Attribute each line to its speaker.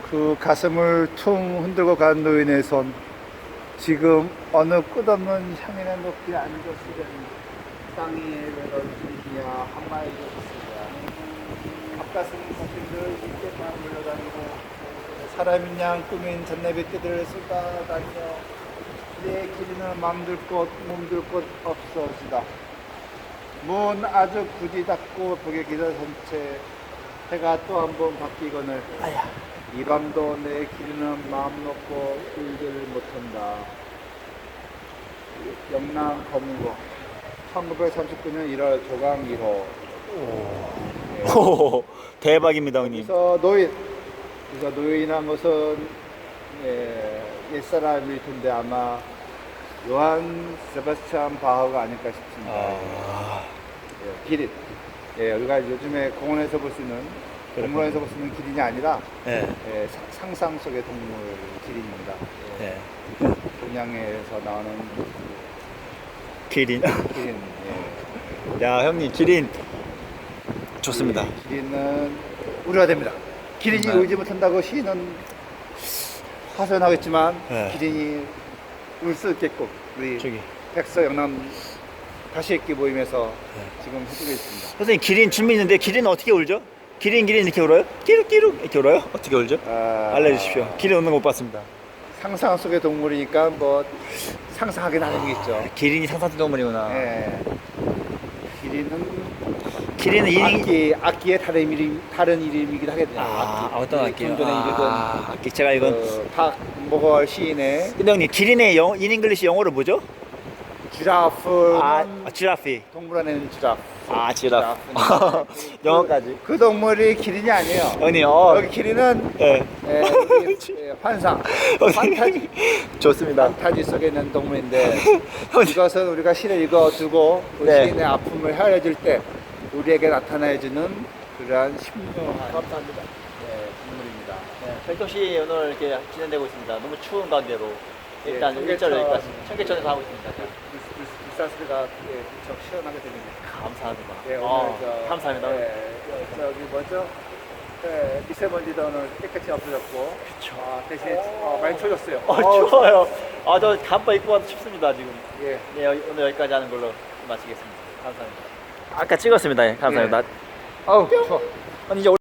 Speaker 1: 그 가슴을 퉁 흔들고 간 노인의 손, 지금 어느 끝없는 향연의 높이에 앉았으려니 땅 위에 널뛰기야 한마디 없으랴. 앞가슴 거품들 이때만 물러다니고 사람인 양 꾸민 전내비띠들을 쏟아다니며 내 길이는 맘들 곳 몸들 곳 없어지다. 문 아주 굳이 닫고 벽에 기다선 채 해가 또 한 번 바뀌거늘 이 밤도 내 길이는 마음 놓고 울지를 못한다. 영남 검은고 1939년 1월 조강 1호.
Speaker 2: 오, 대박입니다, 형님.
Speaker 1: 그래서 노인이란 것은 옛사람일 텐데 아마 요한 세바스찬 바흐가 아닐까 싶습니다. 기린. 우리가 요즘에 공원에서 볼 수 있는 동물원에서 볼 수 있는 기린이 아니라 상상 속의 동물 기린입니다. 동양에서 나오는
Speaker 2: 기린.
Speaker 1: 기린.
Speaker 2: 야, 형님, 기린 좋습니다.
Speaker 1: 기린은 우려가 됩니다. 기린이 울지 못한다고 시인은 하소연하겠지만 기린이 울 수 있겠고 우리
Speaker 2: 저기
Speaker 1: 백서 영남 다시 읽기 모임에서 지금 해주고 있습니다.
Speaker 2: 선생님, 기린 준비 있는데 기린은 어떻게 울죠? 기린 이렇게 울어요? 끼룩끼룩 이렇게 울어요? 어떻게 울죠? 알려주십시오. 기린 우는 거 못 봤습니다.
Speaker 1: 상상 속의 동물이니까 뭐 상상하기 나름이겠죠.
Speaker 2: 기린이 상상 동물이구나.
Speaker 1: 기린은 악기의 다른 이름이기도 하겠네요.
Speaker 2: 어떤 악기요?
Speaker 1: 좀 전에 읽은
Speaker 2: 악기 제가 이건
Speaker 1: 박모걸 시인의
Speaker 2: 근데 형님, 기린의 인잉글리시 영어로 뭐죠?
Speaker 1: 지라프는
Speaker 2: 지라피.
Speaker 1: 동물원에는 지라프.
Speaker 2: 지라프. 영어까지.
Speaker 1: 그 동물이 기린이 아니에요.
Speaker 2: 형님,
Speaker 1: 여기 기린은 환상,
Speaker 2: 좋습니다.
Speaker 1: 판타지 속에 있는 동물인데 이것은 우리가 시를 읽어두고 시인의 아픔을 헤아려줄 때 우리에게 나타내주는 그러한 신묘한
Speaker 2: 감사합니다.
Speaker 1: 동물입니다.
Speaker 2: 별도시 오늘 이렇게 진행되고 있습니다. 너무 추운 가운데로 일단 일절 여기까지 청계천에서 하고 있습니다.
Speaker 1: 불사스가 무척 시원하게 들립니다.
Speaker 2: 감사합니다.
Speaker 1: 오늘
Speaker 2: 감사합니다.
Speaker 1: 저기 뭐죠? 미세먼지도 오늘 깨끗이 없어졌고 대신 많이 추워졌어요.
Speaker 2: 추워요. 저 잠바 입고 와도 춥습니다 지금.
Speaker 1: 예.
Speaker 2: 오늘 여기까지 하는 걸로 마치겠습니다. 감사합니다. 아까 찍었습니다. 감사합니다.
Speaker 1: 아우 추워.
Speaker 2: 이제